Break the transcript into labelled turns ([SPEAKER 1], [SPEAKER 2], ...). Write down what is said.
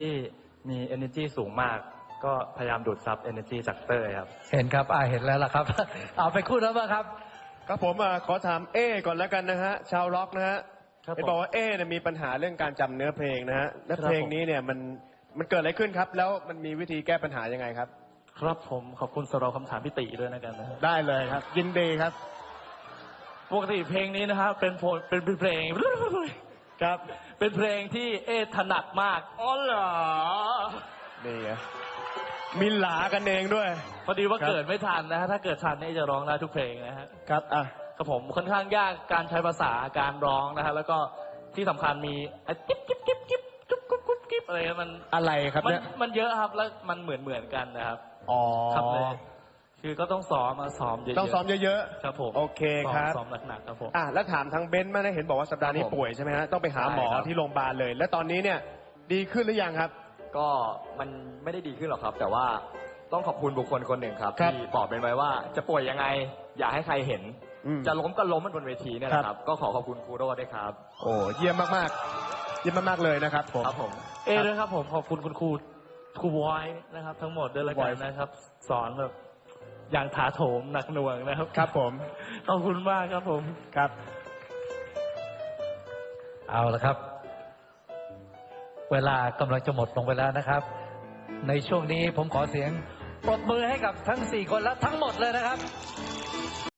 [SPEAKER 1] ที่มี energy สูงมากก็พยายามดูดซับ energy จากเต้ยครับ
[SPEAKER 2] เห็นครับเห็นแล้วล่ะครับ เอาไปคู่แล้วบ้างครับ
[SPEAKER 3] ครับผมขอถามก่อนแล้วกันนะฮะชาวร็อกนะฮะได้บอกว่าเนี่ยมีปัญหาเรื่องการจำเนื้อเพลงนะฮะและเพลงนี้เนี่ยมันเกิดอะไรขึ้นครับแล้วมันมีวิธีแก้ปัญหายังไงครับ
[SPEAKER 1] ครับผมขอบคุณสำหรับคำถามพี่ติด้วยนะกันนะ
[SPEAKER 3] ได้เลยครับยินดีครับ
[SPEAKER 1] ปกติเพลงนี้นะครับเป็นเพลง
[SPEAKER 3] ครับ
[SPEAKER 1] เป็นเพลงที่ถนัดมากอ๋อเหรอ
[SPEAKER 3] นี่ไงมีหลากันเองด้วย
[SPEAKER 1] พอดีว่าเกิดไม่ทันนะฮะถ้าเกิดทันนี่จะร้องได้ทุกเพลงนะฮะ
[SPEAKER 3] ครับ
[SPEAKER 1] ครับผมค่อนข้างยากการใช้ภาษาการร้องนะฮะแล้วก็ที่สำคัญมีกิ๊บกิ๊บกิ๊บกิ๊บจุ๊บกุ๊บกุ๊บกิ๊บอะไร
[SPEAKER 3] อะไรครับเนี่ย
[SPEAKER 1] มันเยอะครับแล้วมันเหมือนกันนะครับครับเลยคือก็ต้องซ้อมเยอะๆ
[SPEAKER 3] ต้องซ้อมเยอะ
[SPEAKER 1] ๆครับผม
[SPEAKER 3] โอเคครับ
[SPEAKER 1] ซ้อมหนักๆครับผม
[SPEAKER 3] แล้วถามทางเบนซ์มาได้เห็นบอกว่าสัปดาห์นี้ป่วยใช่ไหมฮะต้องไปหาหมอที่โรงพยาบาลเลยและตอนนี้เนี่ยดีขึ้นหรือยังครับ
[SPEAKER 4] ก็มันไม่ได้ดีขึ้นหรอกครับแต่ว่าต้องขอบคุณบุคคลคนหนึ่งครับที่บอกเป็นไว้ว่าจะป่วยยังไงอย่าให้ใครเห็นจะล้มก็ล้มมันบนเวทีเนี่ยแหละครับก็ขอบคุณครูโรจน์ด้วยครับ
[SPEAKER 3] โอ้เยี่ยมมากๆเยี่ยมมากๆเลยนะครับผม
[SPEAKER 1] ครับผมด้วยครับผมขอบคุณคุณครูวอยนะครับทั้งหมดด้วยละกันนะครับสอนแบบอย่างถาโถมหนักหน่วงนะครับ
[SPEAKER 3] ครับผม
[SPEAKER 1] ขอบคุณมากครับผม
[SPEAKER 3] ครับ
[SPEAKER 2] เอาละครับเวลากำลังจะหมดลงไปแล้วนะครับในช่วงนี้ผมขอเสียงปรบมือให้กับทั้ง4 คนและทั้งหมดเลยนะครับ